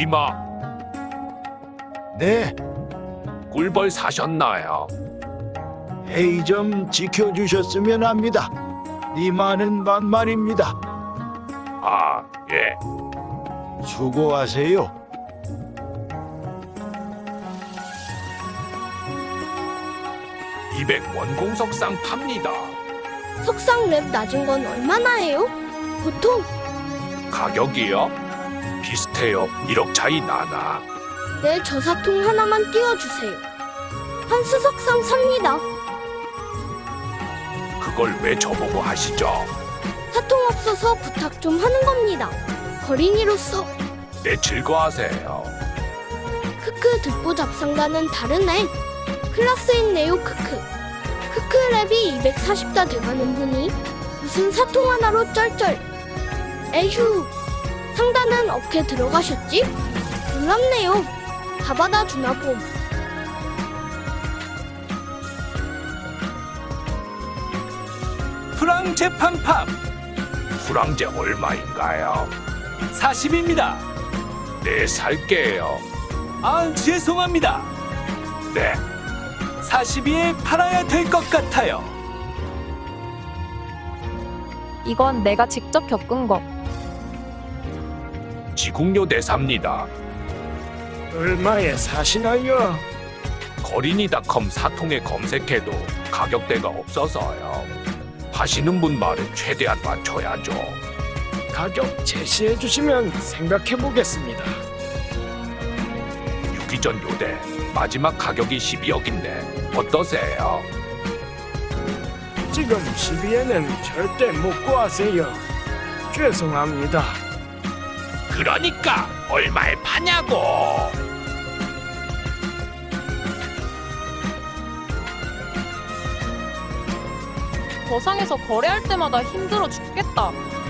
이마, 네, 꿀벌 사셨나요? 회의 좀 지켜주셨으면 합니다. 니마는 만만입니다. 아, 예. 수고하세요. (200) 원공석상 팝니다. 석상 랩 낮은 건 얼마나 해요? 보통 가격이요? 비슷해요. 1억 차이 나나? 내 저사통 하나만 띄워주세요. 한 수석상 삽니다. 그걸 왜 저보고 하시죠? 사통 없어서 부탁 좀 하는 겁니다. 거린이로서. 네, 즐거워하세요. 크크 듣보 잡상과는 다르네. 클라스인 네오 크크. 크크 랩이 240다 돼가는 분이 무슨 사통 하나로 쩔쩔. 에휴. 상단은 어떻게 들어가셨지? 놀랍네요. 다 받아주나 봄. 프랑제 팡팡 프랑제 얼마인가요? 40입니다. 네, 살게요. 아, 죄송합니다. 네, 42에 팔아야 될 것 같아요. 이건 내가 직접 겪은 거. 지국료 내삽니다. 얼마에 사시나요? 거린이닷컴 사통에 검색해도 가격대가 없어서요. 하시는 분 말에 최대한 맞춰야죠. 가격 제시해 주시면 생각해 보겠습니다. 유기전 요대 마지막 가격이 12억인데 어떠세요? 지금 12에는 절대 못 구하세요. 죄송합니다. 그러니까 얼마에 파냐고. 거상에서 거래할 때마다 힘들어 죽겠다.